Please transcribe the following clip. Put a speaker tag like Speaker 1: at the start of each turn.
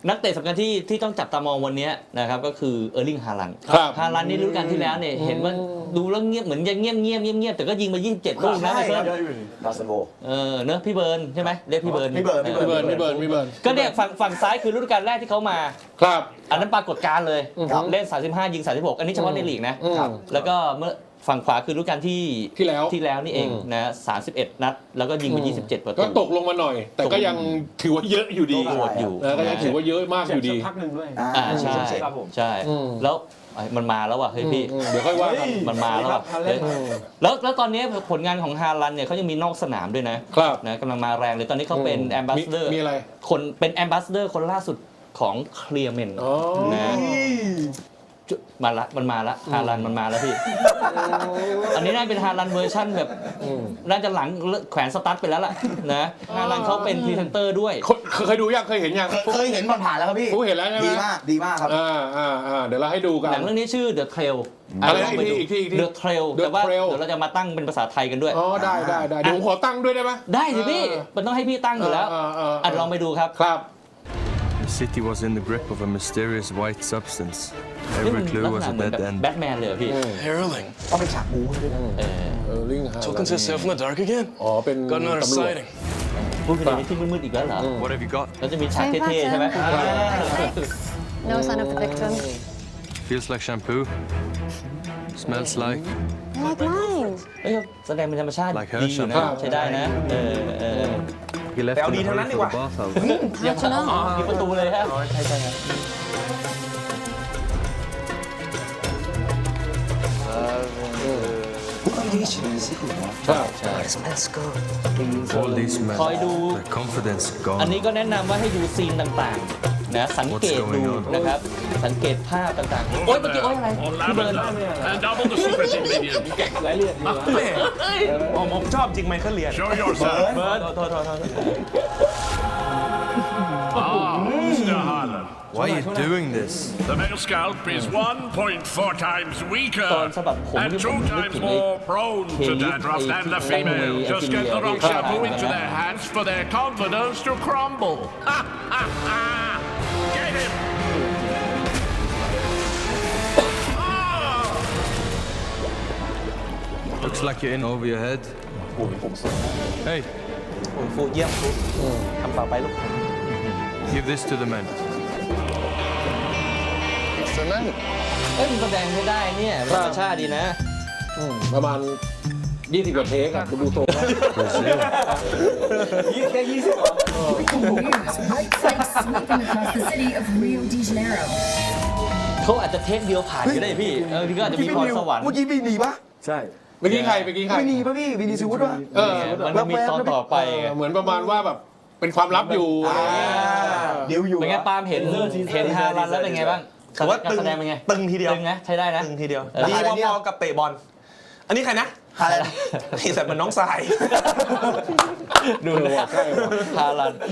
Speaker 1: นักเตะสำคัญที่ต้องจับตามองวันนี้นะครับก็คือเออร์ลิงฮาลันด์ฮาลันด์นี่ฤดูกาลที่แล้วเนี่ยเห็นว่าดูแล้วเงียบเหมือนยังเงียบแต่ก็ยิงมา27ลูกนะเพื่อน
Speaker 2: บาสโบ
Speaker 1: เนอะพี่เบิร์นใช่ไหมเรียกพี่เบิร์นก็เนี่ยฝั่งซ้ายคือฤดูกาลแรกที่เขามา
Speaker 3: ครับ
Speaker 1: อันนั้นปรากฏการณ์เลยเล่น35ยิง36อันนี้เฉพาะในลีกนะแล้วก็เมื่อฝั่งขวาคือฤดูกาลที่แล้วนี่เองนะ31นัดแล้วก็ยิงไป27ประตู
Speaker 3: ก็ตกลงมาหน่อยแต่ก็ยังถือว่าเยอะอยู่ดีก็ยังถือว่าเยอะมากอยู่ดี
Speaker 4: พักหนึ่งด้วย
Speaker 1: ใช่แล้วมันมาแล้วว่ะเฮ้ยพี่
Speaker 3: เดี๋ยวค่อยว่า
Speaker 1: มันมาแล้วว่ะแล้วตอนนี้ผลงานของฮาลันด์เนี่ยเขายังมีนอกสนามด้วยนะกำลังมาแรงเลยตอนนี้เขาเป็นแอมบาสเดอร์
Speaker 3: มีอะไร
Speaker 1: คนเป็นแอมบาสเดอร์คนล่าสุดของเคลียร์เมนนะมันมาละฮาลันมันมาแล้วพี่อันนี้น่าเป็นฮาลันเวอร์ชั่นแบบน่าจะหลังแขวนสตาร์ทไปแล้วล่ะนะฮาลันเขาเป็นพรีเซนเตอร์ด้วย
Speaker 3: เคยดูยังเคยเห็นยัง
Speaker 2: เคยเห็นผ่านแล้วครับพี่
Speaker 3: เห็นแล้วใช่ไหม
Speaker 2: ดีมากครับ
Speaker 3: เดี๋ยวเราให้ดูกัน
Speaker 1: หนังเรื่องนี้ชื่อ The Trail
Speaker 3: อะไรอีกที
Speaker 1: The Trail แต่ว่าเดี๋ยวเราจะมาตั้งเป็นภาษาไทยกันด้วย
Speaker 3: ได้เดี๋ยวผมขอตั้งด้วยได้ไหม
Speaker 1: ได้สิพี่มันต้องให้พี่ตั้งอยู่แล้วลองไปดูครับ
Speaker 5: The city was in the grip of a mysterious white substance. Every clue was a dead end.
Speaker 1: Batman เลยพี่
Speaker 6: Erling.
Speaker 2: ต้องเป็นฉากบู๊ด้วยนะ
Speaker 6: Talking to yourself in the dark again?
Speaker 3: เป็น
Speaker 6: Got another sighting.
Speaker 1: พูดกันในที่มืดๆอีกแล้วเหรอ
Speaker 5: What have you got?
Speaker 1: แล้วจะมีฉากเท่ๆใช่ไหม
Speaker 7: No sign of the victim.
Speaker 5: Feels like shampoo. Smells like.
Speaker 7: Like mine.
Speaker 1: แสดงเป็นธรรมชาติดีอยู่นะใช้ได้นะ
Speaker 5: He left in the hurry for the bathhouse.
Speaker 1: ยังมีประตูเลยครับใช่ครับ
Speaker 5: All these men,
Speaker 1: คอยดู
Speaker 5: their confidence
Speaker 1: อัน
Speaker 5: gone.
Speaker 1: นี้ก็แนะนำว่าให้ดูซีนต่างๆนะสังเกตดูนะครับสังเกตภาพต่างๆโอ๊ยเมื่อกี้โอ๊ยอะไรพี่เบิร์น
Speaker 8: And double the secret ingredient.
Speaker 4: รายละเอียดดีวะผมชอบจริงไมเคิลเลียน
Speaker 8: Show yourself.
Speaker 1: เบิร์นโทษ
Speaker 8: Mr. Harlan.
Speaker 5: Why are you doing this?
Speaker 8: The male scalp is 1.4 times weaker
Speaker 1: ตอนสะบัดผม
Speaker 8: and
Speaker 1: ที่ผม
Speaker 8: 2
Speaker 1: นึก
Speaker 8: times
Speaker 1: ถึงไอ้
Speaker 8: more prone to dandruff than the female. Just get the wrong shampoo into their hands for their confidence to crumble. Get him!
Speaker 5: Looks like you're in over your head. Hey,
Speaker 1: ฟูเยี่ยมฟูทำต่อไปลูก
Speaker 5: give this to the men.
Speaker 1: มันแสดงไม่ได้เนี่ยธรรมชาติดีนะ
Speaker 3: ประมาณ20 กว่าเทคอะดูโต
Speaker 2: แค่20เหรอ
Speaker 9: White flags sweeping across the city of Rio de Janeiro.
Speaker 1: เขาอาจจะเทคเดียวผ่านก็ได้พี่พี่ก็อาจจะมีพรสวรรค์
Speaker 2: เมื่อกี้วินีปะ
Speaker 4: ใช่
Speaker 3: เมื่อกี้ใคร
Speaker 2: วินีปะพี่วินีซูดปะ
Speaker 1: มันจะมีตอนต่อไปไง
Speaker 3: เหมือนประมาณว่าแบบเป็นความลับอยู่
Speaker 2: เดี๋ยวอยู่
Speaker 1: เป็นไงปาล์มเห็นฮาลันแล้วเป็นไงบ้าง
Speaker 4: ถือว่า
Speaker 1: การแสดงเป็นไง
Speaker 4: ตึงทีเดียว
Speaker 1: ตึงนะใช้ได้นะ
Speaker 4: ตึงทีเดียวดีพอๆกับเตะบอลอันนี้ใครนะ
Speaker 2: อะไร
Speaker 4: ไอ้แต่มันน้องทราย
Speaker 1: ดูฮาลัน